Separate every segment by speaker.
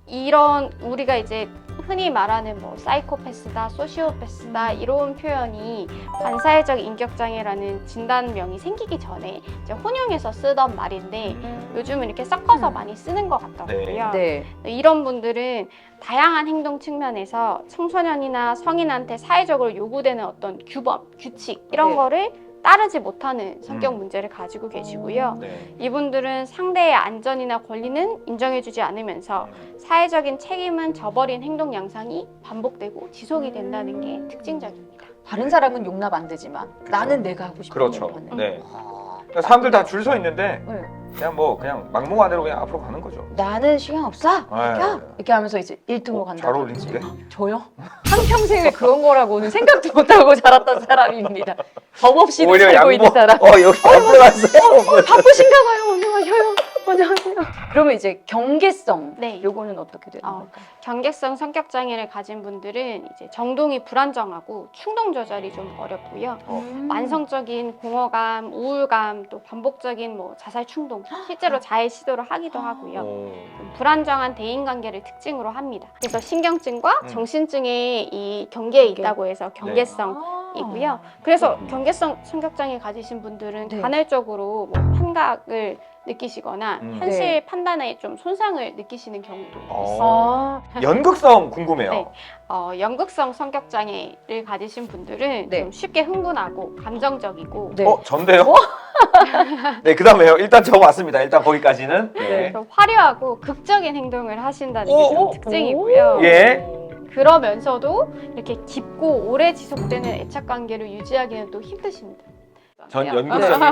Speaker 1: 이런 우리가 이제 흔히 말하는 뭐 사이코패스다, 소시오패스다 이런 표현이 반사회적 인격장애라는 진단명이 생기기 전에 이제 혼용해서 쓰던 말인데 요즘은 이렇게 섞어서 많이 쓰는 것 같더라고요.
Speaker 2: 네.
Speaker 1: 이런 분들은 다양한 행동 측면에서 청소년이나 성인한테 사회적으로 요구되는 어떤 규범, 규칙 이런
Speaker 2: 네.
Speaker 1: 거를 따르지 못하는 성격 문제를 가지고 계시고요.
Speaker 3: 네.
Speaker 1: 이분들은 상대의 안전이나 권리는 인정해주지 않으면서 사회적인 책임은 저버린 행동 양상이 반복되고 지속이 된다는 게 특징적입니다.
Speaker 2: 다른 사람은 용납 안 되지만 나는 내가 하고 싶은
Speaker 3: 그렇죠.
Speaker 2: 대로 하는.
Speaker 3: 네.
Speaker 2: 아,
Speaker 3: 그러니까 사람들 다 줄 서 있는데
Speaker 2: 네.
Speaker 3: 그냥 막무가내로 그냥 앞으로 가는 거죠.
Speaker 2: 나는 시간 없어.
Speaker 3: 네.
Speaker 2: 야! 이렇게 하면서 이제 1등으로 간다.
Speaker 3: 잘 어울리는데?
Speaker 2: 저요? 한평생을 그런 거라고는 생각도 못하고 자랐던 사람입니다. 법 없이도
Speaker 3: 오히려
Speaker 2: 살고 있는 사람.
Speaker 3: 여기 앞으로 갔어요.
Speaker 2: 바쁘신가 봐요. 안녕하세요. 안녕하세요. 그러면 이제 경계성.
Speaker 1: 네.
Speaker 2: 요거는 어떻게 되는 걸까요?
Speaker 1: 경계성 성격 장애를 가진 분들은 이제 정동이 불안정하고 충동 조절이 좀 어렵고요. 만성적인 공허감, 우울감, 또 반복적인 뭐 자살 충동, 실제로 자해 시도를 하기도 하고요. 좀 불안정한 대인 관계를 특징으로 합니다. 그래서 신경증과 정신증의 이 경계에 있다고 해서 경계성이고요. 그래서 경계성 성격 장애 가지신 분들은
Speaker 2: 네.
Speaker 1: 간헐적으로 뭐 판각을 느끼시거나 현실
Speaker 2: 네.
Speaker 1: 판단에 좀 손상을 느끼시는 경우도 있어요.
Speaker 2: 아,
Speaker 3: 연극성 궁금해요.
Speaker 1: 네. 연극성 성격 장애를 가지신 분들은
Speaker 2: 네.
Speaker 1: 좀 쉽게 흥분하고 감정적이고
Speaker 2: 네.
Speaker 3: 전데요? 네, 그 다음에요. 일단 적어왔습니다. 일단 거기까지는. 네.
Speaker 1: 좀 화려하고 극적인 행동을 하신다는 게 좀
Speaker 3: 오!
Speaker 1: 특징이고요.
Speaker 3: 예.
Speaker 1: 그러면서도 이렇게 깊고 오래 지속되는 애착 관계를 유지하기는 또 힘드십니다.
Speaker 3: 전
Speaker 1: 네.
Speaker 3: 연극성이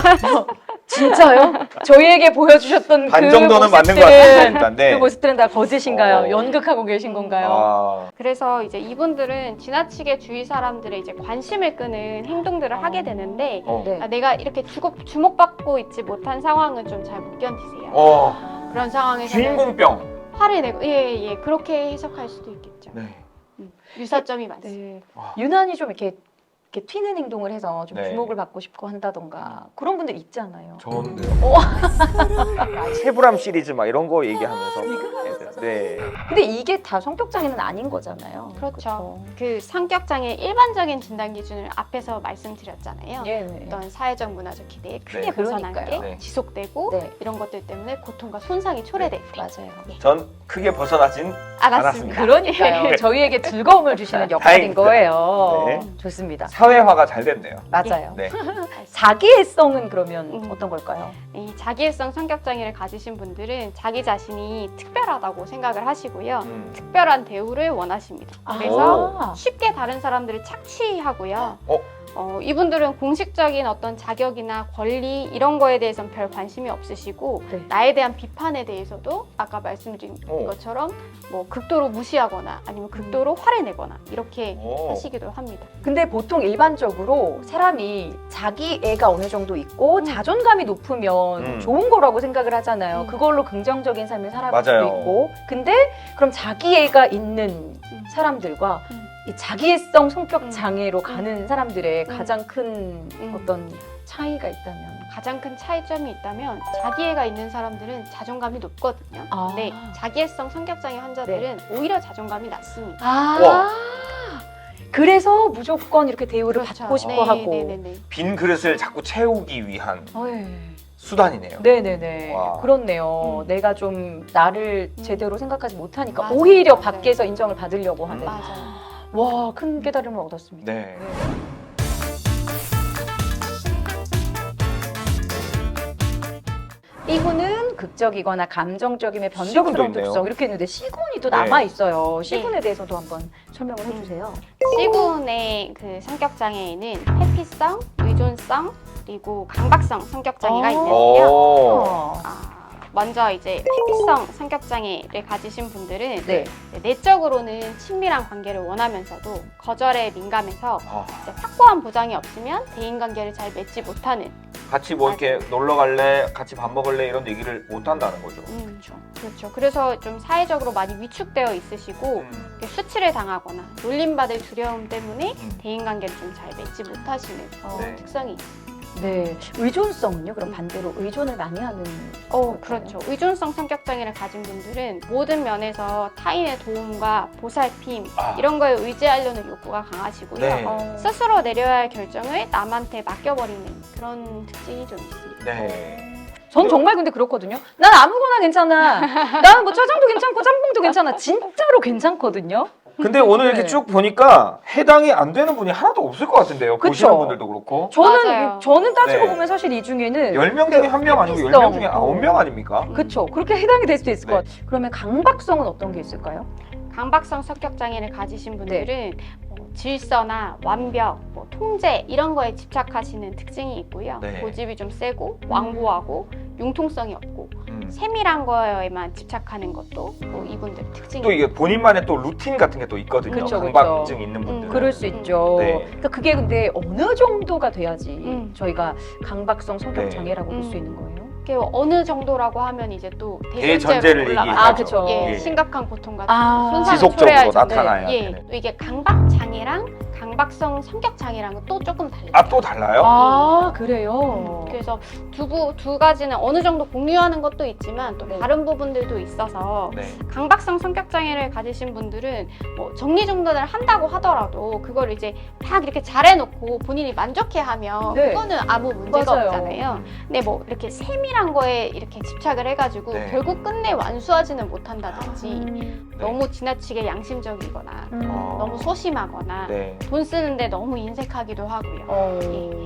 Speaker 2: 진짜요? 저희에게 보여주셨던
Speaker 3: 반
Speaker 2: 그
Speaker 3: 정도는 맞는 것
Speaker 2: 모습들은-
Speaker 3: 같습니다. 네.
Speaker 2: 그 모습들은 다 거짓인가요?
Speaker 3: 어.
Speaker 2: 연극하고 계신 건가요?
Speaker 3: 아,
Speaker 1: 그래서 이제 이분들은 지나치게 주위 사람들의 이제 관심을 끄는 행동들을 하게 되는데
Speaker 2: 네.
Speaker 1: 내가 이렇게 주목받고 있지 못한 상황은 좀 잘 못 견디세요. 그런 상황에서는
Speaker 3: 주인공병.
Speaker 1: 화를 내고 예 그렇게 해석할 수도 있겠죠.
Speaker 3: 네.
Speaker 1: 유사점이 많습니다.
Speaker 2: 네.
Speaker 3: 와.
Speaker 2: 유난히 좀 이렇게 튀는 행동을 해서 좀
Speaker 3: 네.
Speaker 2: 주목을 받고 싶고 한다던가 그런 분들 있잖아요.
Speaker 3: 좋은데요. 세브람 시리즈 막 이런 거 얘기하면서. 네.
Speaker 2: 근데 이게 다 성격 장애는 아닌 거잖아요.
Speaker 1: 그렇죠. 그 성격 장애 일반적인 진단 기준을 앞에서 말씀드렸잖아요.
Speaker 2: 예, 네.
Speaker 1: 어떤 사회적 문화적 기대에 크게
Speaker 3: 네.
Speaker 1: 벗어난 게
Speaker 2: 그러니까요.
Speaker 3: 네.
Speaker 1: 지속되고
Speaker 2: 네.
Speaker 1: 이런 것들 때문에 고통과 손상이 초래될 때
Speaker 2: 맞아요.
Speaker 3: 전 크게 벗어나진
Speaker 1: 알았습니다.
Speaker 2: 그러니까요. 저희에게 즐거움을 주시는 역할인
Speaker 3: 다행입니다.
Speaker 2: 거예요.
Speaker 3: 네.
Speaker 2: 좋습니다.
Speaker 3: 사회화가 잘 됐네요.
Speaker 2: 맞아요.
Speaker 3: 네.
Speaker 2: 자기애성은 그러면 어떤 걸까요?
Speaker 1: 이 자기애성 성격 장애를 가지신 분들은 자기 자신이 특별하다고 생각을 하시고요. 특별한 대우를 원하십니다. 그래서
Speaker 2: 아.
Speaker 1: 쉽게 다른 사람들을 착취하고요.
Speaker 3: 어?
Speaker 1: 이분들은 공식적인 어떤 자격이나 권리 이런 거에 대해서는 별 관심이 없으시고
Speaker 2: 네.
Speaker 1: 나에 대한 비판에 대해서도 아까 말씀드린 것처럼 뭐 극도로 무시하거나 아니면 극도로 화를 내거나 이렇게 하시기도 합니다.
Speaker 2: 근데 보통 일반적으로 사람이 자기 애가 어느 정도 있고 자존감이 높으면 좋은 거라고 생각을 하잖아요. 그걸로 긍정적인 삶을 살아갈 수도
Speaker 3: 맞아요.
Speaker 2: 있고. 근데 그럼 자기 애가 있는 사람들과 이 자기애성 성격 장애로 가는 사람들의 가장 큰 어떤 차이가 있다면?
Speaker 1: 가장 큰 차이점이 있다면 자기애가 있는 사람들은 자존감이 높거든요.
Speaker 2: 아.
Speaker 1: 근데 자기애성 성격장애 환자들은 오히려 자존감이 낮습니다.
Speaker 2: 그래서 무조건 이렇게 대우를
Speaker 1: 그렇죠.
Speaker 2: 받고 싶어 하고.
Speaker 1: 네네네.
Speaker 3: 빈 그릇을 자꾸 채우기 위한
Speaker 2: 네.
Speaker 3: 수단이네요.
Speaker 2: 네네네.
Speaker 3: 와.
Speaker 2: 그렇네요. 내가 좀 나를 제대로 생각하지 못하니까
Speaker 1: 맞아요.
Speaker 2: 오히려
Speaker 1: 맞아요.
Speaker 2: 밖에서 인정을 받으려고 하는.
Speaker 1: 맞아요.
Speaker 2: 와, 큰 깨달음을 얻었습니다.
Speaker 3: 네.
Speaker 2: B군은 극적이거나 감정적임의 변덕스러운
Speaker 3: C군도 있네요.
Speaker 2: 특성 이렇게 있는데 C군이 또
Speaker 3: 네.
Speaker 2: 남아 있어요. C군에 대해서도 한번 설명을 해주세요.
Speaker 1: C군의 그 성격 장애에는 회피성, 의존성, 그리고 강박성 성격 장애가 있는데요.
Speaker 2: 어.
Speaker 1: 먼저 이제 회피성 성격 장애를 가지신 분들은
Speaker 2: 네.
Speaker 1: 내적으로는 친밀한 관계를 원하면서도 거절에 민감해서
Speaker 3: 아,
Speaker 1: 이제 확고한 보장이 없으면 대인 관계를 잘 맺지 못하는.
Speaker 3: 같이 뭐 이렇게 놀러 갈래, 같이 밥 먹을래 이런 얘기를 못 한다는 거죠.
Speaker 1: 그렇죠. 그래서 좀 사회적으로 많이 위축되어 있으시고 이렇게 수치를 당하거나 놀림받을 두려움 때문에 대인 관계를 좀 잘 맺지 못하시는
Speaker 3: 네.
Speaker 1: 특성이 있습니다.
Speaker 2: 네. 의존성은요? 그럼 반대로 의존을 많이 하는.
Speaker 1: 그렇죠. 의존성 성격 장애를 가진 분들은 모든 면에서 타인의 도움과 보살핌 이런 거에 의지하려는 욕구가 강하시고요.
Speaker 3: 네.
Speaker 1: 스스로 내려야 할 결정을 남한테 맡겨버리는 그런 특징이 좀 있습니다.
Speaker 3: 네.
Speaker 2: 전 정말 근데 그렇거든요. 난 아무거나 괜찮아. 나는 뭐 짜장도 괜찮고 짬뽕도 괜찮아. 진짜로 괜찮거든요.
Speaker 3: 근데 오늘 이렇게
Speaker 2: 네.
Speaker 3: 쭉 보니까 해당이 안 되는 분이 하나도 없을 것 같은데요.
Speaker 2: 그쵸?
Speaker 3: 보시는 분들도 그렇고.
Speaker 1: 맞아요.
Speaker 2: 저는 따지고
Speaker 3: 네.
Speaker 2: 보면 사실 이 중에는
Speaker 3: 10명 중에 1명 아니고 10명 중에 9명 아닙니까?
Speaker 2: 그쵸. 그렇게 해당이 될 수도 있을
Speaker 3: 네.
Speaker 2: 것 같아요. 그러면 강박성은 어떤 게 있을까요?
Speaker 1: 강박성 성격 장애를 가지신 분들은 질서나 완벽, 통제 이런 거에 집착하시는 특징이 있고요.
Speaker 3: 네.
Speaker 1: 고집이 좀 세고 왕고하고 융통성이 없고 세밀한 거에만 집착하는 것도 또 이분들 특징이에요.
Speaker 3: 또 이게 본인만의 또 루틴 같은 게 또 있거든요.
Speaker 2: 그쵸, 그쵸.
Speaker 3: 강박증 있는 분들은.
Speaker 2: 그럴 수 있죠.
Speaker 3: 네.
Speaker 2: 그러니까 그게 근데 어느 정도가 돼야지 저희가 강박성 성격
Speaker 3: 네.
Speaker 2: 장애라고 볼 수 있는 거예요?
Speaker 1: 그게 어느 정도라고 하면 이제 또
Speaker 3: 대전제를
Speaker 1: 올라가죠.
Speaker 3: 얘기하죠.
Speaker 2: 그쵸.
Speaker 1: 예,
Speaker 3: 예.
Speaker 1: 심각한 고통 같은
Speaker 2: 아,
Speaker 1: 손상을
Speaker 3: 지속적으로
Speaker 1: 초래할 정도.
Speaker 3: 나타나야
Speaker 1: 예,
Speaker 3: 되는.
Speaker 1: 또 이게 강박 장애랑 강박성 성격 장애랑은 또 조금 달라요.
Speaker 3: 아, 또 달라요?
Speaker 2: 아, 그래요?
Speaker 1: 그래서 두 가지는 어느 정도 공유하는 것도 있지만 또
Speaker 2: 네.
Speaker 1: 다른 부분들도 있어서
Speaker 3: 네.
Speaker 1: 강박성 성격 장애를 가지신 분들은 뭐 정리정돈을 한다고 하더라도 그걸 이제 막 이렇게 잘해놓고 본인이 만족해하면
Speaker 2: 네.
Speaker 1: 그거는 아무 문제가
Speaker 2: 맞아요.
Speaker 1: 없잖아요. 근데 뭐 이렇게 세밀한 거에 이렇게 집착을 해가지고
Speaker 3: 네.
Speaker 1: 결국 끝내 완수하지는 못한다든지
Speaker 3: 네.
Speaker 1: 너무 지나치게 양심적이거나 너무 소심하거나
Speaker 3: 네.
Speaker 1: 돈 쓰는데 너무 인색하기도 하고요.
Speaker 2: 어.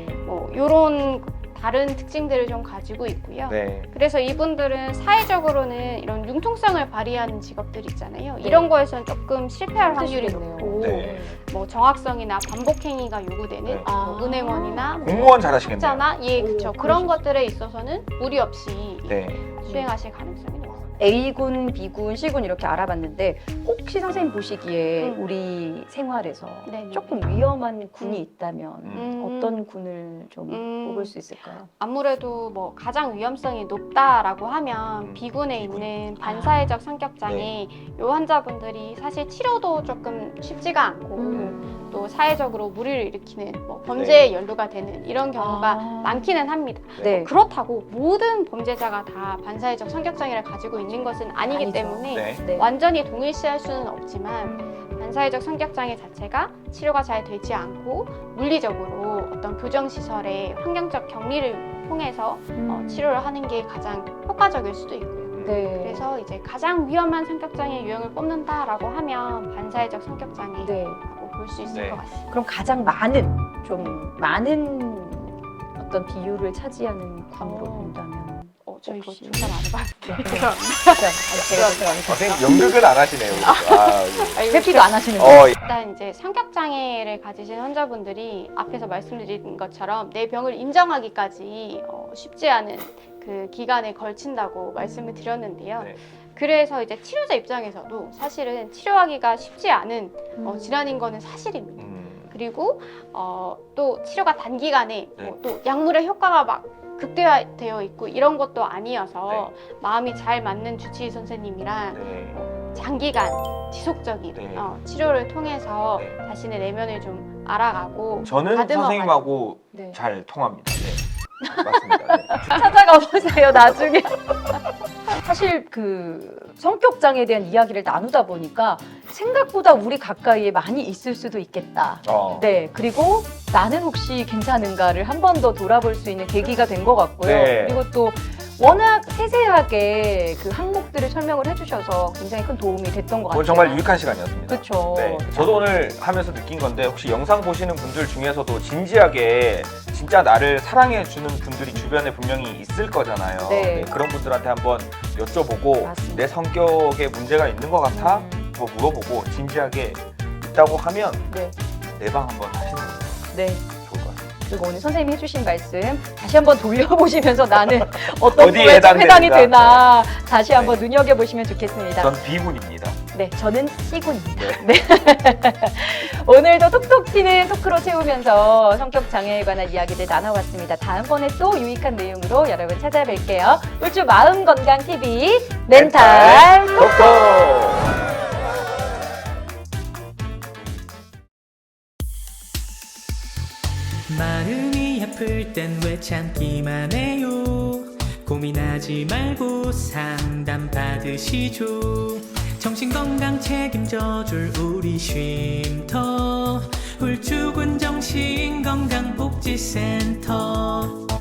Speaker 1: 뭐 이런 다른 특징들을 좀 가지고 있고요.
Speaker 3: 네.
Speaker 1: 그래서 이분들은 사회적으로는 이런 융통성을 발휘하는 직업들 있잖아요.
Speaker 2: 네.
Speaker 1: 이런 거에서는 조금 실패할 확률이
Speaker 2: 힘드시겠네요.
Speaker 1: 높고
Speaker 3: 네.
Speaker 1: 뭐 정확성이나 반복 행위가 요구되는
Speaker 3: 네.
Speaker 1: 뭐 은행원이나 뭐
Speaker 3: 공무원 잘하시겠네요.
Speaker 1: 학자나 예, 그렇죠.
Speaker 2: 오,
Speaker 1: 그런
Speaker 2: 그러실
Speaker 1: 것들에 있어서는 무리 없이
Speaker 3: 네.
Speaker 1: 수행하실 가능성이 높습니다.
Speaker 2: A군, B군, C군 이렇게 알아봤는데 혹시 선생님 보시기에
Speaker 1: 음.
Speaker 2: 우리 생활에서
Speaker 1: 네네.
Speaker 2: 조금 위험한 군이 있다면
Speaker 1: 음.
Speaker 2: 어떤 군을 좀
Speaker 1: 음.
Speaker 2: 뽑을 수 있을까요?
Speaker 1: 아무래도 뭐 가장 위험성이 높다라고 하면 B군에
Speaker 3: B군.
Speaker 1: 있는 반사회적 성격 장애 요 환자분들이 사실 치료도 조금 쉽지가 않고 또 사회적으로 무리를 일으키는 뭐 범죄에 연루가 되는 이런 경우가 많기는 합니다.
Speaker 2: 네.
Speaker 1: 그렇다고 모든 범죄자가 다 반사회적 성격 장애를 가지고 있는 것은 아니기
Speaker 2: 아니죠.
Speaker 1: 때문에
Speaker 3: 네.
Speaker 2: 네.
Speaker 1: 완전히 동일시할 수는 없지만 반사회적 성격 장애 자체가 치료가 잘 되지 않고 물리적으로 어떤 교정시설의 환경적 격리를 통해서 치료를 하는 게 가장 효과적일 수도 있고요.
Speaker 2: 네.
Speaker 1: 그래서 이제 가장 위험한 성격 장애 유형을 뽑는다라고 하면 반사회적 성격 장애라고
Speaker 2: 네.
Speaker 1: 볼 수 있을
Speaker 3: 네.
Speaker 1: 것 같습니다.
Speaker 2: 그럼 가장 많은 어떤 비율을 차지하는 군으로 본다면
Speaker 1: 저희 이거
Speaker 2: 혹시-
Speaker 1: 조사 안 해봤는데.
Speaker 2: 진짜
Speaker 3: 선생님 연극을 안 하시네요. 아, 예.
Speaker 2: 회피도 안 하시는데
Speaker 1: 일단 이제 성격 장애를 가지신 환자분들이 앞에서 말씀드린 것처럼 내 병을 인정하기까지 쉽지 않은 그 기간에 걸친다고 말씀을 드렸는데요.
Speaker 3: 네.
Speaker 1: 그래서 이제 치료자 입장에서도 사실은 치료하기가 쉽지 않은 질환인 거는 사실입니다. 그리고 또 치료가 단기간에
Speaker 3: 네.
Speaker 1: 또 약물의 효과가 막 극대화되어 있고 이런 것도 아니어서 마음이 잘 맞는 주치의 선생님이랑
Speaker 3: 네.
Speaker 1: 장기간 지속적인
Speaker 3: 네.
Speaker 1: 치료를 통해서
Speaker 3: 네.
Speaker 1: 자신의 내면을 좀 알아가고
Speaker 3: 저는
Speaker 1: 다듬어가지고.
Speaker 3: 선생님하고
Speaker 2: 네.
Speaker 3: 잘 통합니다. 네. 맞습니다. 네.
Speaker 2: 찾아가 보세요 나중에. 사실 그 성격 장애에 대한 이야기를 나누다 보니까 생각보다 우리 가까이에 많이 있을 수도 있겠다. 네, 그리고 나는 혹시 괜찮은가를 한 번 더 돌아볼 수 있는 계기가 된 것 같고요.
Speaker 3: 네.
Speaker 2: 그리고 또 워낙 세세하게 그 항목들을 설명을 해주셔서 굉장히 큰 도움이 됐던 것 같아요.
Speaker 3: 오늘 정말 유익한 시간이었습니다.
Speaker 2: 그렇죠.
Speaker 3: 네, 저도 오늘 하면서 느낀 건데 혹시 영상 보시는 분들 중에서도 진지하게 진짜 나를 사랑해주는 분들이 주변에 분명히 있을 거잖아요.
Speaker 2: 네.
Speaker 3: 그런 분들한테 한번 여쭤보고
Speaker 2: 맞습니다.
Speaker 3: 내 성격에 문제가 있는 것 같아? 뭐 물어보고 진지하게 있다고 하면
Speaker 2: 네.
Speaker 3: 내방 한번 하시는 게
Speaker 2: 네.
Speaker 3: 좋을 것 같아요.
Speaker 2: 그리고 오늘 선생님이 해주신 말씀 다시 한번 돌려보시면서 나는 어떤
Speaker 3: 어디에
Speaker 2: 부에 좀 해당이
Speaker 3: 해당되는가.
Speaker 2: 되나 다시 한번
Speaker 3: 네.
Speaker 2: 눈여겨보시면 좋겠습니다.
Speaker 3: 전 B군입니다.
Speaker 2: 네, 저는 C군입니다. 네. 오늘도 톡톡 튀는 토크로 채우면서 성격 장애에 관한 이야기들 나눠봤습니다. 다음번에 또 유익한 내용으로 여러분 찾아뵐게요. 울주 마음건강TV 멘탈
Speaker 3: 톡톡!
Speaker 4: 마음이 아플 땐 왜 참기만 해요. 고민하지 말고 상담 받으시죠. 정신건강 책임져줄 우리 쉼터 훌쭉은 정신건강복지센터.